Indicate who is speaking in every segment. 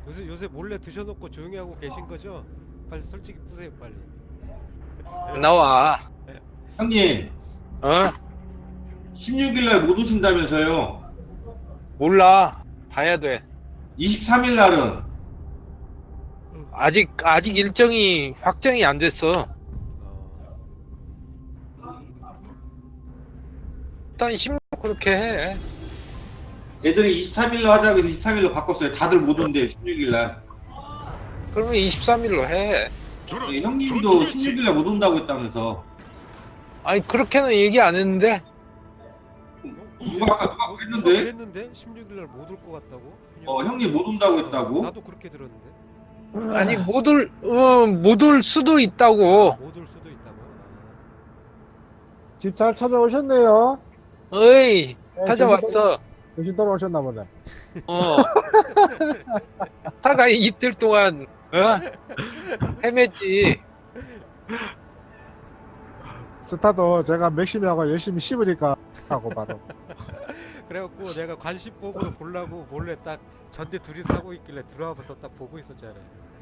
Speaker 1: 요새 몰래 드셔놓고 조용히 하고 계신 거죠? 빨리 솔직히 푸세요 빨리.
Speaker 2: 나와.
Speaker 3: 형님,
Speaker 2: 어?
Speaker 3: 16일 날 못 오신다면서요?
Speaker 2: 몰라. 봐야 돼.
Speaker 3: 23일 날은
Speaker 2: 아직 일정이 확정이 안 됐어. 일단 16 그렇게 해.
Speaker 3: 애들이 23일 날 하자고 해서 23일로 바꿨어요. 다들 못 온대요, 16일 날.
Speaker 2: 그러면 23일로 해.
Speaker 3: 예, 형님도 16일 날 못 온다고 했다면서.
Speaker 2: 아니 그렇게는 얘기 안 했는데.
Speaker 3: 누가 그랬는데?
Speaker 1: 그랬는데 16일날 못 올 것 같다고?
Speaker 3: 형님 못 온다고 했다고?
Speaker 1: 나도 그렇게 들었는데.
Speaker 2: 아니 못 올 수도 있다고.
Speaker 1: 못 올 수도 있다고.
Speaker 4: 집 잘 찾아오셨네요.
Speaker 2: 어이
Speaker 4: 네,
Speaker 2: 찾아왔어.
Speaker 4: 정신 돌아오셨나 보네.
Speaker 2: 어. 타가 이틀 동안 헤맸지.
Speaker 4: 스타도 제가 맥심하고 열심히 씹으니까 하고 바로.
Speaker 1: 그래갖고 내가 관심법으로 보려고 몰래 딱 전대 둘이서 하고 있길래 들어와서 딱 보고 있었잖아요.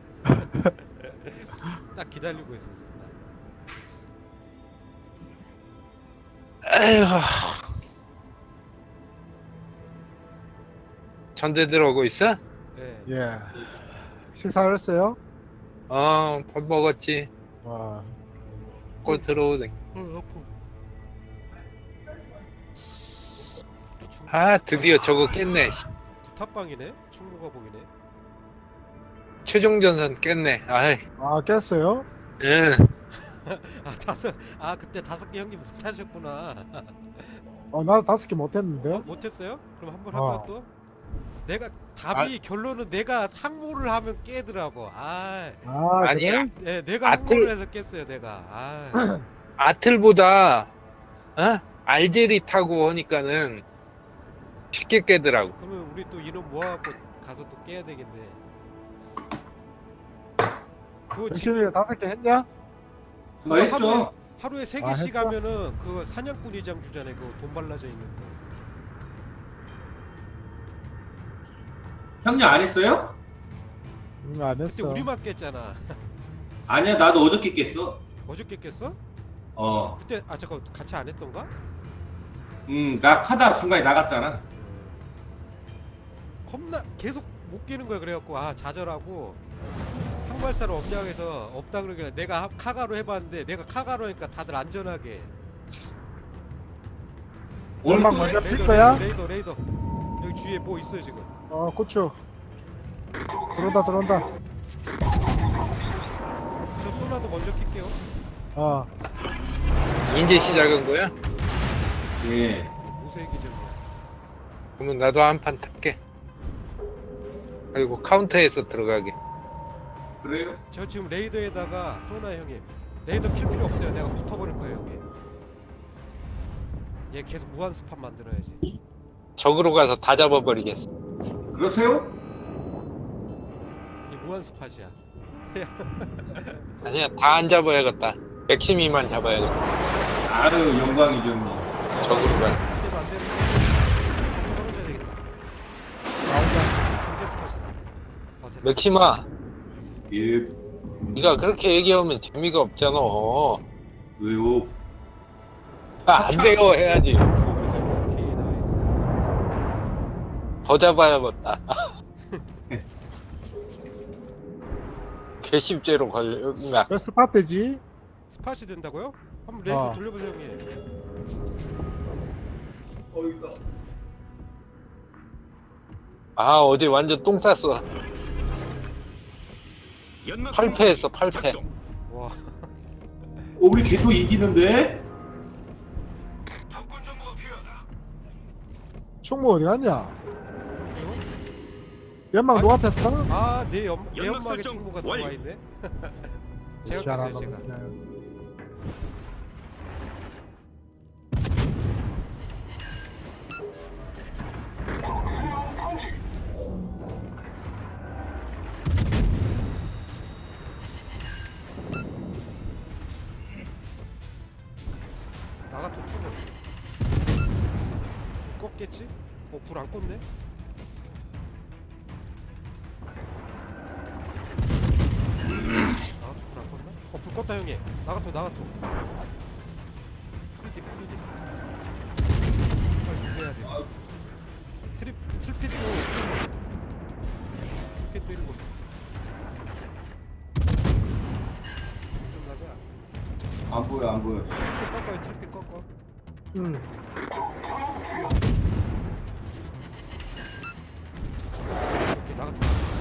Speaker 1: 딱 기다리고 있었어.
Speaker 2: 에휴. 전대 들어오고 있어?
Speaker 1: 네.
Speaker 4: 예. 식사를 했어요?
Speaker 2: 밥 먹었지.
Speaker 4: 와.
Speaker 2: 꼭 들어오네. 아 드디어 저거 깼네.
Speaker 1: 구탑방이네. 충무가 보이네.
Speaker 2: 최종 전선 깼네. 아이.
Speaker 4: 아, 깼어요?
Speaker 2: 응.
Speaker 1: 그때 5개 형님 못하셨구나.
Speaker 4: 나도 5개 못했는데.
Speaker 1: 못했어요? 그럼 한번
Speaker 4: 어.
Speaker 1: 하면 또. 내가 답이 결론은 내가 항모를 하면 깨더라고.
Speaker 2: 아니야.
Speaker 1: 네, 내가 항모를 해서 깼어요. 내가.
Speaker 2: 아틀보다 알제리 타고 하니까는 쉽게 깨더라고.
Speaker 1: 그러면 우리 또 인원 모아갖고 가서 또 깨야 되겠네. 그거
Speaker 4: 열심히 5개 했냐?
Speaker 3: 그거 했죠.
Speaker 1: 하루에 3개씩
Speaker 4: 했어?
Speaker 1: 하면은 그 사냥꾼 이장 주잖아요. 그 돈 발라져 있는 거.
Speaker 3: 형님 안 했어요?
Speaker 4: 안
Speaker 1: 그때
Speaker 4: 했어.
Speaker 1: 우리만 깼잖아.
Speaker 3: 아니야, 나도 어저께 깼어.
Speaker 1: 어저께 깼어?
Speaker 3: 어.
Speaker 1: 그때 잠깐 같이 안 했던가?
Speaker 3: 나 하다 중간에 나갔잖아.
Speaker 1: 겁나 계속 못 깨는 거야. 그래갖고 좌절하고 항발사를 없냐고 해서 없다 그러길래 내가 카가로 해봤는데 내가 카가로 하니까 다들 안전하게.
Speaker 4: 얼마 먼저 필 거야?
Speaker 1: 레이더 여기 주위에 뭐 있어요 지금.
Speaker 4: 고추. 들어온다.
Speaker 1: 저 소나도 먼저 킬게요.
Speaker 2: 이제 시작한 거야?
Speaker 3: 예.
Speaker 1: 무쇠 기절이야.
Speaker 2: 그러면 나도 한 판 탈게. 그리고 카운터에서 들어가게.
Speaker 3: 그래요?
Speaker 1: 저 지금 레이더에다가 소나 형님 레이더 킬 필요 없어요. 내가 붙어버릴 거예요 형님. 얘 계속 무한 스팟 만들어야지.
Speaker 2: 적으로 가서 다 잡아버리겠어.
Speaker 3: 그러세요?
Speaker 1: 이 무한 스팟이야.
Speaker 2: 아니야 다 안 잡아야겠다. 맥시미만 잡아야겠다.
Speaker 3: 아유, 영광이죠, 형님.
Speaker 2: 적으로
Speaker 1: 무한
Speaker 2: 가서.
Speaker 1: 스팟 때문에 안 되는데 떨어져야 되겠다. 경제 스팟이다. 됐다.
Speaker 2: 맥시마
Speaker 3: 예.
Speaker 2: 네가 그렇게 얘기하면 재미가 없잖아.
Speaker 3: 왜요?
Speaker 2: 안 돼요 해야지.
Speaker 1: 그래서 오케이 나이스.
Speaker 2: 더 잡아야겠다. 개십제로 걸려.
Speaker 4: 왜 스파트지?
Speaker 1: 스팟이 된다고요? 한번 레이더
Speaker 4: 어.
Speaker 1: 돌려보세요 형님.
Speaker 2: 어제 완전 똥 쌌어. 8패했어 8패.
Speaker 1: 와.
Speaker 3: 우리 계속 이기는데?
Speaker 4: 충무 어디 갔냐?
Speaker 1: 그러게요?
Speaker 4: 연막 누가 폈어?
Speaker 1: 내 연막에 친구가 들어와 있네. 제가 깼어요 제가. 나가 토토는 껐겠지? 불 안 껐네? 죽었다 형님. 나가토. 프리디. 빨리 해야 돼. 트리핏도 1고. 좀 가자.
Speaker 3: 안 보여.
Speaker 1: 트리핏 꺾어.
Speaker 4: 응.
Speaker 1: 오케이, 나가토.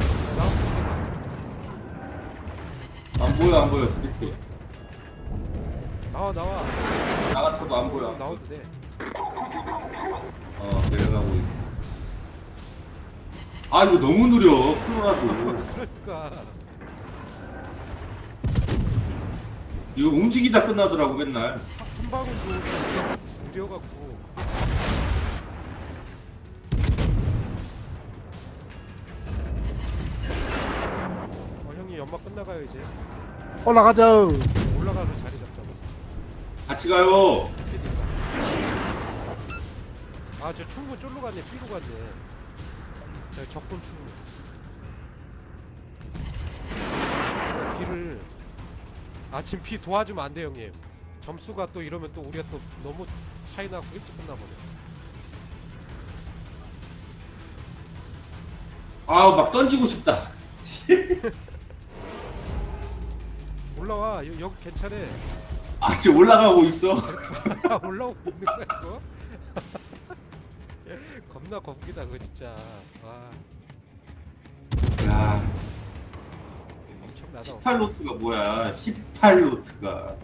Speaker 3: 안 보여. 이렇게.
Speaker 1: 나와.
Speaker 3: 나가서도 안 보여.
Speaker 1: 나와도 돼.
Speaker 3: 내려가고 있어. 아, 이거 너무 느려. 프로라도.
Speaker 1: 그러니까.
Speaker 3: 이거 움직이다 끝나더라고, 맨날.
Speaker 1: 한 방울 좋은데 느려갖고. 형님 연막 끝나가요 이제.
Speaker 4: 올라가자.
Speaker 1: 올라가서 자리 잡자고.
Speaker 3: 같이 가요.
Speaker 1: 아저 충무 쫄로 갔네. B로 갔네. 저 적군 충무. B를 지금 B 도와주면 안 돼 형님. 점수가 또 이러면 또 우리가 또 너무 차이 나고 일찍 끝나버려.
Speaker 3: 막 던지고 싶다.
Speaker 1: 올라와. 여기 괜찮아.
Speaker 3: 지금 올라가고 있어.
Speaker 1: 올라오고 있는 거야 이거? 겁나 겁기다 그거 진짜. 와
Speaker 3: 야,
Speaker 1: 엄청나다.
Speaker 3: 18로트가 뭐야? 18로트가.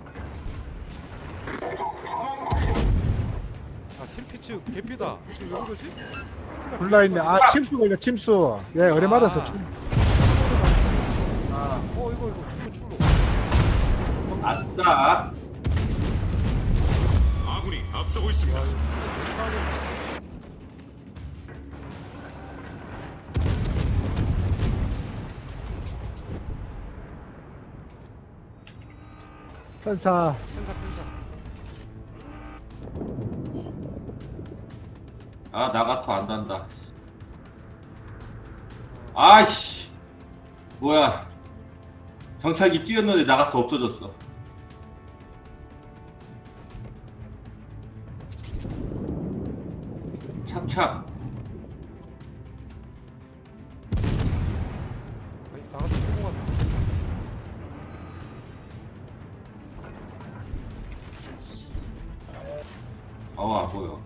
Speaker 1: 틸피츠 개피다. 지금 왜 그러지?
Speaker 4: 불나있네. 침수 걸려, 침수. 예, 어레 맞았어.
Speaker 1: 이거 충무.
Speaker 3: 아싸.
Speaker 5: 아군이 앞서고 있습니다.
Speaker 4: 편사.
Speaker 1: 편사.
Speaker 3: 나가토 안 단다. 아이씨. 뭐야. 정찰기 뛰었는데 나가토 없어졌어. 찹찹.
Speaker 1: 나가서 충무 같다.
Speaker 3: 안 보여.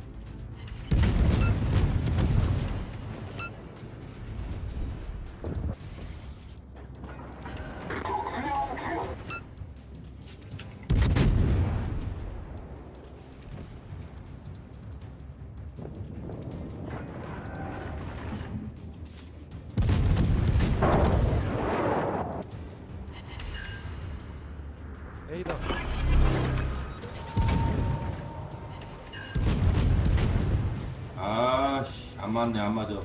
Speaker 1: A다.
Speaker 3: 안 맞네, 안 맞아.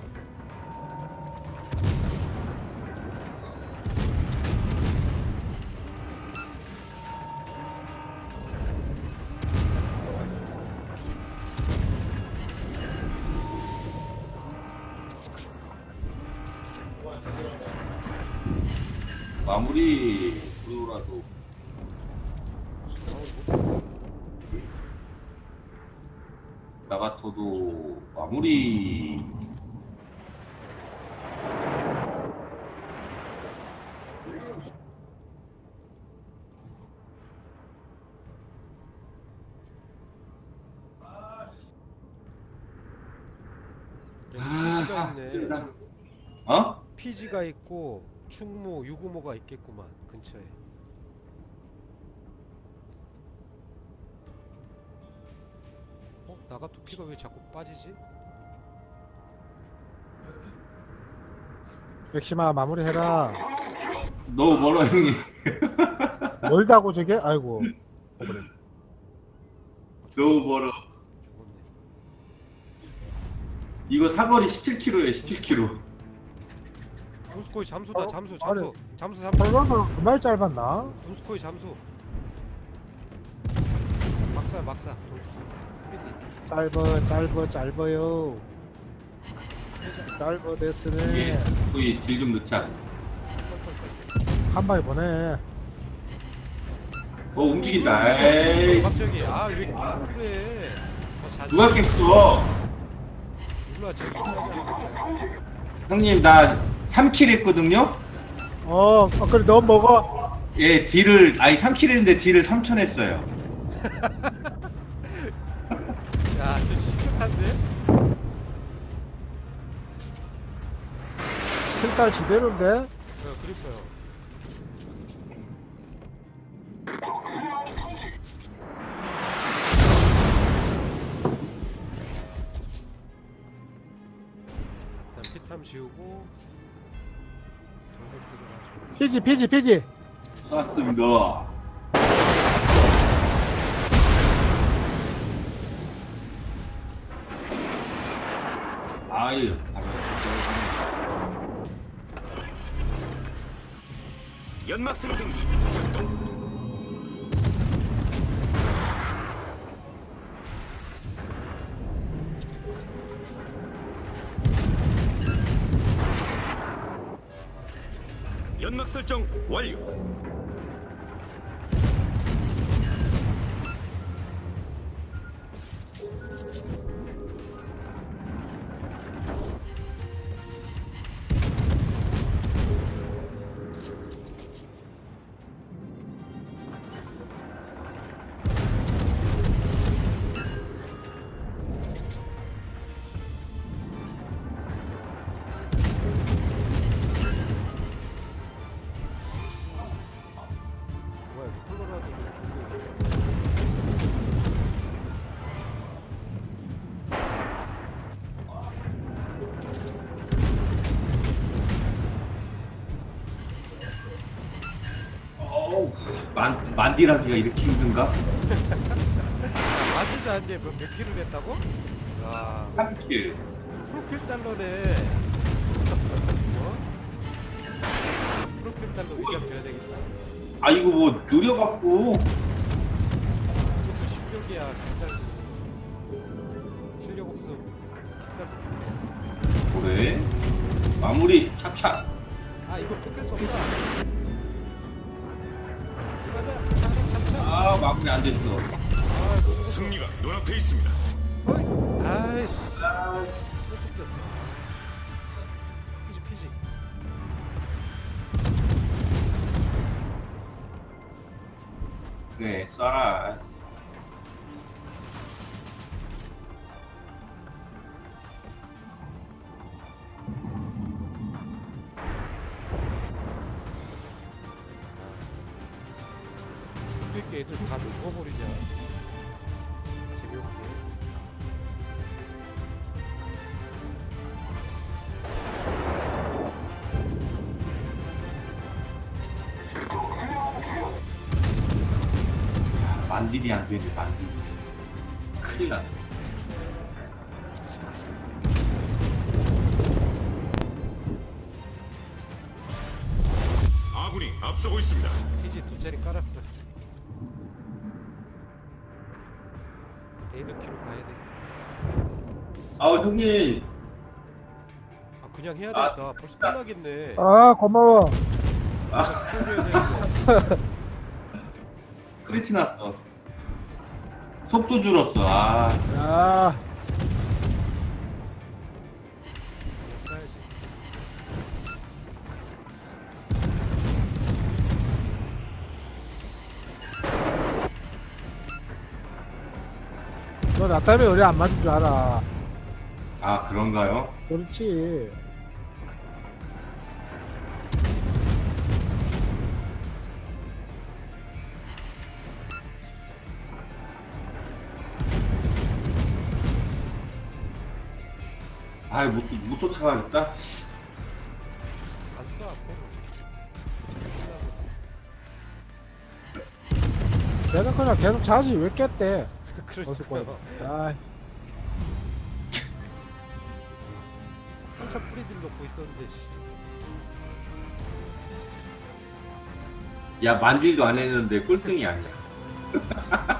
Speaker 3: 마무리 프로라도.
Speaker 1: 못했어.
Speaker 3: 나가토도 마무리.
Speaker 1: PG가 있네.
Speaker 3: 힘들다.
Speaker 1: PG가 있고 충무, 유구모가 있겠구만 근처에. 나가토 피가 왜 자꾸 빠지지?
Speaker 4: 맥시마 마무리해라.
Speaker 3: 너무 멀어, 형님.
Speaker 4: 멀다고 저게? 아이고.
Speaker 3: 너무 멀어.
Speaker 1: 죽었네.
Speaker 3: 이거 사거리 17km에 17km.
Speaker 1: 도스코이 잠수다. 잠수.
Speaker 4: 벌거는 그말 짧았나?
Speaker 1: 도스코이 잠수. 막사. 도스코이.
Speaker 4: 짧어요. 짧어 됐으네.
Speaker 3: 거의 딜 좀 넣자.
Speaker 4: 한 방에 보내.
Speaker 3: 움직인다. 에이.
Speaker 1: 갑자기 아왜 게임을 그래? 자주
Speaker 3: 누가 깼어?
Speaker 1: 몰라 저기 끝나잖아.
Speaker 3: 형님 나 3킬 했거든요.
Speaker 4: 그래 너 먹어.
Speaker 3: 예, 딜을 아니 3킬 했는데 딜을 3천 했어요.
Speaker 1: 야저 심각한데?
Speaker 4: 실달 지대로인데.
Speaker 1: 그러니까요. 일단 피탐 지우고 전력 들어가지고
Speaker 4: 피지.
Speaker 3: 쐈습니다. 아유,
Speaker 5: 연막 생성기 작동. 연막 설정 완료.
Speaker 1: 뭐야 이거 콜로라도도 중국
Speaker 3: 어우, 만디라기가 이렇게 힘든가?
Speaker 1: 만들도 안돼 몇 킬을 했다고? 와
Speaker 3: 3킬.
Speaker 1: 프로필 달러네. 뭐? 프로필 달러 위장 줘야 되겠다.
Speaker 3: 아 이거 뭐 느려갖고.
Speaker 1: 이것도 실력이야. 킬달도 실력 없음. 킬달도 못해.
Speaker 3: 그래? 마무리 찹찹.
Speaker 1: 아 이거 뺏길 수 없다. 가자. 참참.
Speaker 3: 아 마무리 안 됐어.
Speaker 1: 아 너무
Speaker 5: 승리가 눈앞에 있습니다.
Speaker 1: 어이. 아이씨. 또 뺏겼어. 피지.
Speaker 3: 네, 쏴라.
Speaker 1: 수 있게 애들 다 죽어버리냐. 재미없게.
Speaker 3: 만딜이 안 되네, 만딜. 큰일 났네.
Speaker 5: 아군이 앞서고 있습니다.
Speaker 1: 피지 두 자리 깔았어. 에이드 키로 가야 돼.
Speaker 3: 아우, 형님.
Speaker 1: 아 그냥 해야
Speaker 3: 아,
Speaker 1: 되겠다. 벌써 끝나겠네.
Speaker 4: 고마워.
Speaker 1: 아, 죽어줘야 되는데.
Speaker 3: 크리치 났어. 속도 줄었어, 아.
Speaker 4: 야,
Speaker 1: 써야지.
Speaker 4: 너 나 때문에 우리 안 맞은 줄 알아.
Speaker 3: 아, 그런가요?
Speaker 4: 그렇지.
Speaker 3: 아이, 못 쫓아가겠다.
Speaker 1: 안 써, 앞으로.
Speaker 4: 걔는 그냥 계속 자지 왜 깼대? 어서
Speaker 1: 그러니까요.
Speaker 4: 거야. 아,
Speaker 1: 한참 프리딜 놓고 있었는데, 씨.
Speaker 3: 야, 만딜도 안 했는데 꼴등이 아니야.